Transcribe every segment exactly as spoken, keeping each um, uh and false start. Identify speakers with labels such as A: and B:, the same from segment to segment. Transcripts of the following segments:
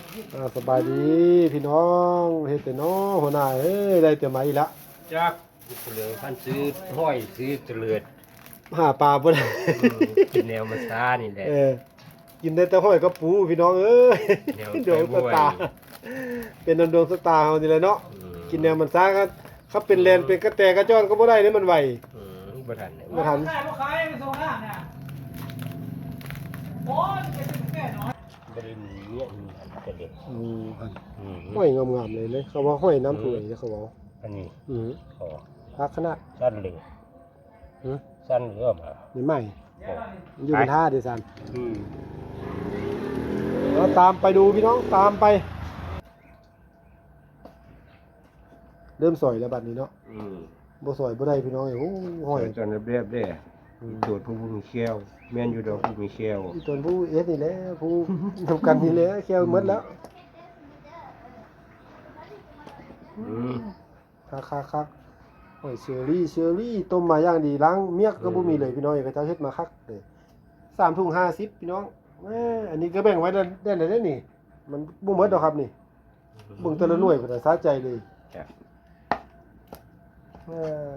A: อ่าสบายดีพี่น้องเฮ็ดแต่น้อหัวหน้าเอ้ยได้แต่มาอีกละ
B: จักเหลือพันซื้อห้อยซื้อเตลือด
A: หาปลาบ่ได้
B: กินแนวมาซานี่แหละ
A: เออกินได้แต่ห้อยกับปูพี่น้องเอ้ยดวงสตาร์เป็นดวงสตาร์เฮานี่แหละเนาะกินแนวมันซาก็เขาเป็นแลนเป็นกระแตกระจ้อนก็บ่ได้นี่มันไหว
B: อืมบ่ทัน
A: บ่ทัน
C: ขายบ่ขายไปส่งหน้าเนี่ยโอ้ยเป็นแก่น้อย
B: บ่ได้มีเมียมีอันกระเด็ด
A: อืมอัน
B: อืม
A: ห้อยงามๆเลยเลยเขาว่าห้อยน้ำถ้วยเขาว่า
B: อันนี้
A: อือ
B: ขอ
A: พักขนาด
B: สั้นเหลือ
A: ฮะ
B: สั้นเหลือมา
A: นี่ใหม่อยู่บนท่าดิซัน
B: อืม
A: เราตามไปดูพี่น้องตามไปเริ่มสอยแล้วบัดนี้เนาะ
B: อืม
A: บ่สอยบ่ได้พี่น้องโอ้ห้อย
B: ตอนเรียบๆเด้ตรวจผู้มีเขี้ยวแม่นอยู่ดอกผู้มีเขี้ยว
A: อีตนผู้เอสนี่แหละผู้ทำกันนี่แหละแค่หมดแล้ว
B: อืม
A: คักๆๆห้อยเชอรี่เชอรี่ต้มมาอย่างดีล้างเมียกก็บ่มีเลยพี่น้องเขาเจ้าเฮ็ดมาคักเด้สามถุงห้าสิบพี่น้องแหมอันนี้ก็แบ่งไว้ได้ได้ได้นี่มันบ่หมดดอกครับนี่เบิ่งแต่ละหน่วยเพิ่นสะใจเลย
B: จ้ะ
A: เออ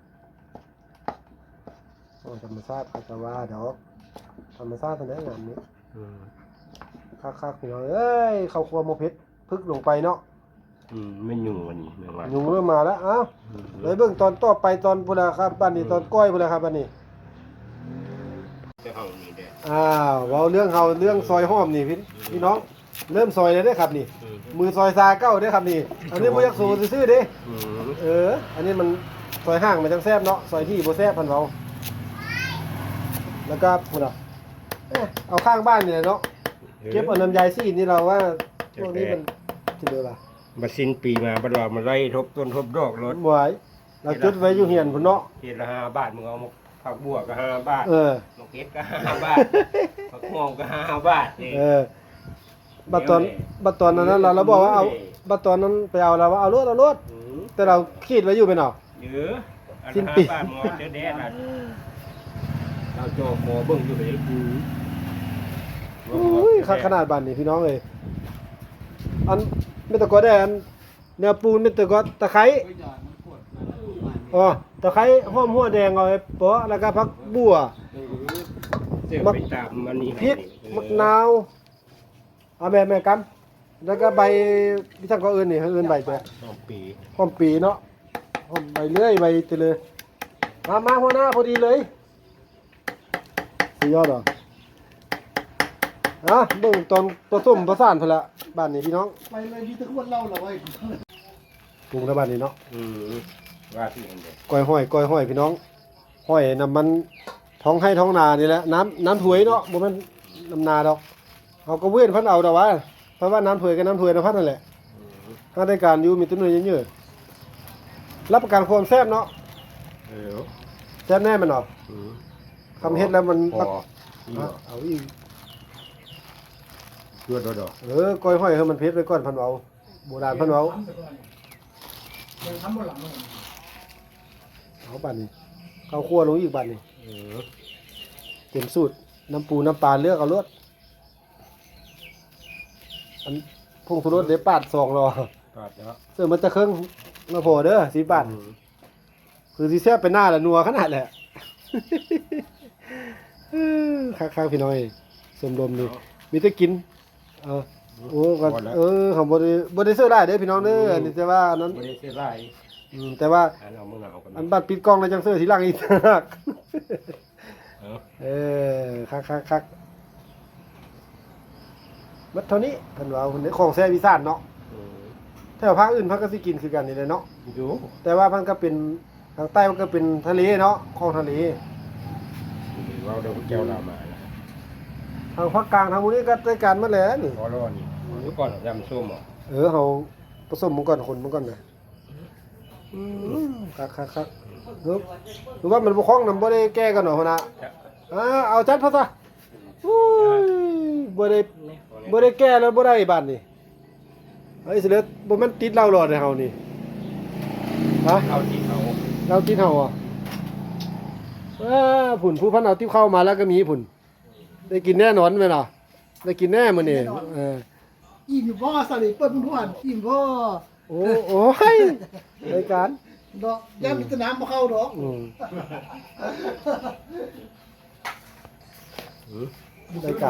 A: โอ้ธรรมชาติก็ว่าดอกธรรมชาติเท่านั้นงานนี้
B: อืม
A: คักๆพี่น้องเอ้ยข้าวคั่วหมูเผ็ดพึกลงไปเนาะ
B: อืมไม่ยุ่งวันนี้ไม่ว่า
A: ยุงเริ่มมาแล้วเอ้าเลยเบิ่งตอนต่อไปตอนพุ่นล่ะครับบัดนี้ตอนก้อยพุ่นล่ะครับบัดนี้
B: แต่เฮานี่เด้
A: อ้าวเว้าเรื่องเฮาเรื่องซอยหอมนี่พี่พี่น้องเริ่มซอยแล้วเด้อครับนี่มือซอยซาเก้าเด้อครับนี่อันนี้บ่อยากสู้ซื่อๆเด้
B: อืม
A: เอออันนี้มันซอยห้างมันจังแซ่บเนาะซอยที่บ่แซ่บพันเว้าแล้วก็พุ่นน่ะเอ๊ะเอาข้างบ้านนี่แหละเนาะเก็บเอาน้ำยายซีดนี่เราว่าพวกนี้มันสิเด้อล่ะ
B: มาสิ้นปีมาบัดว่ามาไล่ทบต้นทบดอกรถ
A: บ่ไหวเราจุดไว้อยู่เฮียนพุ่นเนาะ
B: เฮ็ดละห้าบาทมึงเอามาผักบัวก็ห้าบาท
A: เออ
B: มะเขือก็ห้าบาทผักหอมก็ห้าบาทนี่
A: เออบัดตอนบัดตอนนั้นเราเราบอกว่าเอาบัดตอนนั้นไปเอาเราว่าเอารถเอารถแต่เราคิดไว้อยู่เป็นเนาะ
B: เยอะสิ้นปีบาทหมอเด้อแดดน่ะเราโจหมอเบิ่งอยู่เลย
A: อืออุ้ยขนาดบ้านนี่พี่น้องเอ้ยอันไม่ตะกอได้อันเนื้อปูนไม่ตะกอตะไคร้อ๋อตะไคร้หอมหัวแดงเอาไว้เปาะแล้วก็ผักบัว
B: มักไปตามมันนี่
A: พริกมะนาวเอาแม่แม่กำแล้วก็ใบที่ทั้งก็อื่นนี่อื่นใบไป
B: หอมปี
A: หอมปีเนาะหอมใบเลื่อยใบเตเลยมามาหัวหน้าพอดีเลยสุดยอดเหรออ่ะเบิ่งตอนผสมประสานพุ่นละบ้านนี้พี่น้อง
C: ไปเลยมีตะขวดเหล้าเหรอไว้
A: ปรุงแล้วบ้านนี้เนาะ
B: อืมว่าที่เห็นเด้
A: ก้อยห้อยก้อยห้อยพี่น้องห้อยน้ำมันท้องให้ท้องนานี่แหละน้ำน้ำถวยเนาะบ่แม่นน้ำนาดอกเอากระเว้นพันเอาดอกว่าเพราะว่าน้ำถวยกับน้ำถวยน้ำพันนั่นแหละถ้าได้การอยู่มีต้นเนื้อเยอะๆรับประกันความแซ่บเนาะ
B: เออ
A: แซ่บแน่มันเนาะทำเฮ็ดแล้วมัน
B: พอ
A: เอาอีก
B: เลือดดอก
A: เออก้อยห้อยให้มันเผ็ดไว้ก่อนพันเอาโบราณพันเอา
C: ทำบ่หลัง
A: เอาบัดนี้ข้าวคั่วลงอีกบัดนี้
B: เออ
A: เต็มสูตรน้ำปูน้ำปลาเลือกเอารสอันพุ่งสุรสเดี๋ยวปาดสองรอ
B: ปาดแล้ว
A: เสื้อมันจะเครื่องมาโผล่เด้อสีบาทคือสีแซ่บเป็นหน้าแหละนัวขนาดแหละข้างๆพี่น้อยสมรมนี่มีแต่กินเออโอ้ก็เออของบริบริเสื้อได้เด้อพี่น้องเด้ออันนี้แต่ว่านั้น
B: บริเสื้อได้
A: อืมแต่ว่าอันบัดปิดกล้องแล้วจังเสื้อทีหลังอีกนักเออคักๆๆมัดเท่านี้เพิ่นว่าเพิ่นของแซ่บอีสานเนาะแถวภาคอื่นเพิ่นก็สิกินคือกันนี่แหละเนาะ
B: อยู่
A: แต่ว่ามันก็เป็นทางใต้มันก็เป็นทะเลเนาะคลองทะเล
B: เราเดี๋ยวแก้วเรามา
A: ทางภาคกลางทางพวกนี้ก็ได้การมาแล้วนี่
B: พอรอนี่เดี๋ยวก่อนยำส้มอ่ะ
A: เออเฮาผสมมันก่อนคนมันก่อนนะอืมคักๆๆเออหรือว่ามันบ่คล้องนำบ่ได้แก้กันเนาะหั่นน่ะอ่าเอาจัดพะซะอุ้ยบ่ได้บ่ได้แก้แล้วบ่ได้บาดนี้เฮ้ยสิเหลือบ่แม่นติดเหล้าหลอดให้เฮานี่ฮะ
B: เอาที่เขา
A: เราติดเฮาอ่ะอ่าผุ่นผู้พันเอาติ๊บเข้ามาแล้วก็มีผุ่นได้กินแน่นอนแม่นเนาะได้กินแน่มื้อนี้เออ
C: อิ่มอยู่บ่สลิเปิ้ลม่วนอิ่มบ่
A: โอ้โอ้ยรายการ
C: ดอกย่ามีแตน้ำมาเข้าดอก
A: อืมรายการ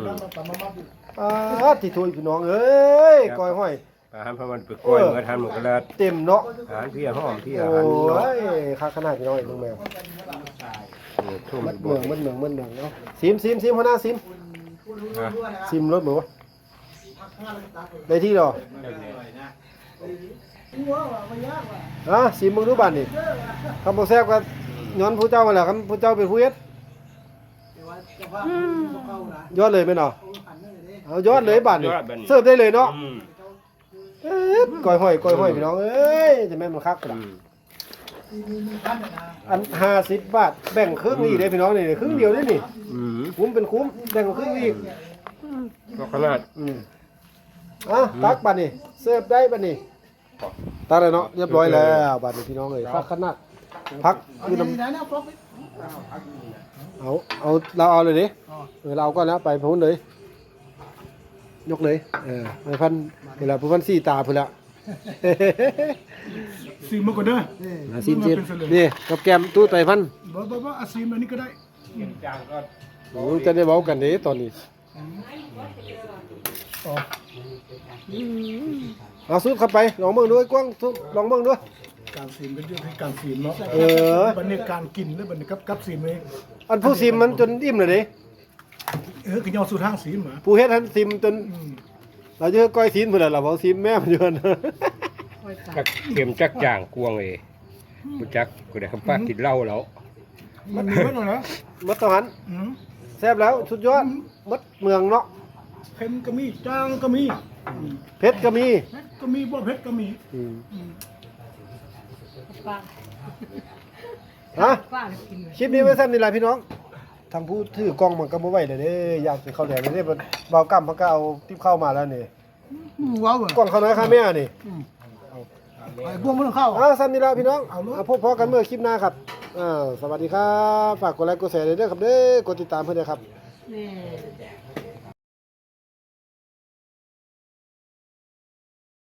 A: อ่าที่ถุยพี่น้องเอ้ยก้อยห้อย
B: อาหารพระมันไปกล้วยเหมือนทานหมูกระลา
A: เต็มเนาะ
B: อาหารพี่หอมพี่
A: โอ
B: อาหารเนาะ
A: ้ยค่าขนาดพี่น้องไอ้ลุงแมว
B: ทุ่ม
A: มัด
B: บ่
A: เมืองมัดเมืองมัดเมืองเนาะซิมซิมซิมหัวหน้าซิมซิมรถบ่วะได้ที่ดอก
C: หัวว่าบ่ยากว่ะ
A: อ่ะซิมมึงดูบ้านนี่คำบ่แซ่บก็ย้อนผู้เจ้ามาแหละคำผู้เจ้าเป็นผู้เฮ็ด
C: แต่ว่าเจ้าภาพบ่เข้านะ
A: ยอดเลยแม่นเนาะ
C: อันนั้นเลยเด้
A: เอายอดเลยบ้านนี่เสิร์ฟได้เลยเนาะ
B: อืม
A: เอ๊ะก้อยห้อยก้อยห้อยพี่น้องเอ้ยจะแม่นมันคักกระดา
C: มีมีมีท่านน่ะนะ
A: อันห้าสิบบาทแบ่งครึ่งนี่เด้พี่น้องนี่ครึ่งเดียวเด้นี่
B: อืม
A: คุ้มเป็นคุ้มแบ่งครึ่งอีก
B: ก็ขนาด
A: อืมอ่ะตักบัดนี่เสิร์ฟได้บัดนี่ตักเลยเนาะเรียบร้อยแล้วบัดนี่พี่น้องเอ้ยพักขนาดพัก
C: เอา
A: คือ
C: ดี
A: น้ำ
C: ๆนะเนี่ยฟลอปไป
A: เอาเอาเราเอาเลยดิเออเราเอาก็แล้วไปพ้นเลย ยกเลยเออไปพันเวลาพันสี่ตาพุ่นละ
C: ซีมมาก่อนเด้อ
A: อ่ะซิมซิมนี่กับแกมตู้ไตพัน
C: บ่บ่บ่อาซีมอันนี้ก็ได้
B: จางก็
A: โอ้จะได้เว้ากันเด้ตอนนี้
C: อ๋อ
A: เอาซุปเข้าไปลองเบิ่งด้วยกว้างซุปลองเบิ่งด้วย
C: การซีมเป็นเรื่องที่การซีมเนาะ
A: เออ
C: บัดนี้การกินหรือบัดนี้กับกับซีมนี่
A: อันผู้ซิมมันจนอิ่มเลยเด้
C: เออคือยอสู่ทางซีมหมา
A: ผู้เฮ็ดหันซิมจน
C: อืม
A: เราจะก้อยซีนพุ่นล่ะเราเอาซิมแม่มันอยู่นั่น
B: จักเข็มจักจางกวงเอ้บ่จักกูได้คำป้ากินเหล้าแล้ว
C: มันมีไว้หน่อยนะ
A: มัดตะหัน
C: อืม
A: แซ่บแล้วสุดยอดมัดเมืองเนาะ
C: เค็มก็มีจางก็มีอืม
A: เผ็ดก็มี
C: เผ็ดก็มีบ่เผ็ดก็มี
A: อืม
C: อืม
A: ฮะคลิปนี้ไว้สั้นนี่แหละพี่น้องทางผู้ถือกล้องมันก็บ่ไหวเลยเด้อยากสิเข้าแดงเลยเด้บ่เบากำมันก็เอาติ๊บเข้ามาแล้วนี่
C: อืมว้าวอ่ะ
A: กล้องเขาน้อยค่าแม่นี่
C: ไอ้พวกมันต้องเข้า
A: อ่าสั้นนี่แหละพี่น้อง
C: เอาเลย
A: เอาพบพอกันเมื่อคลิปหน้าครับอ่าสวัสดีครับฝากกดไลค์กดแชร์ด้วยเด้อครับเด้อกดติดตามเพื่อนด้วยครับ
D: นี่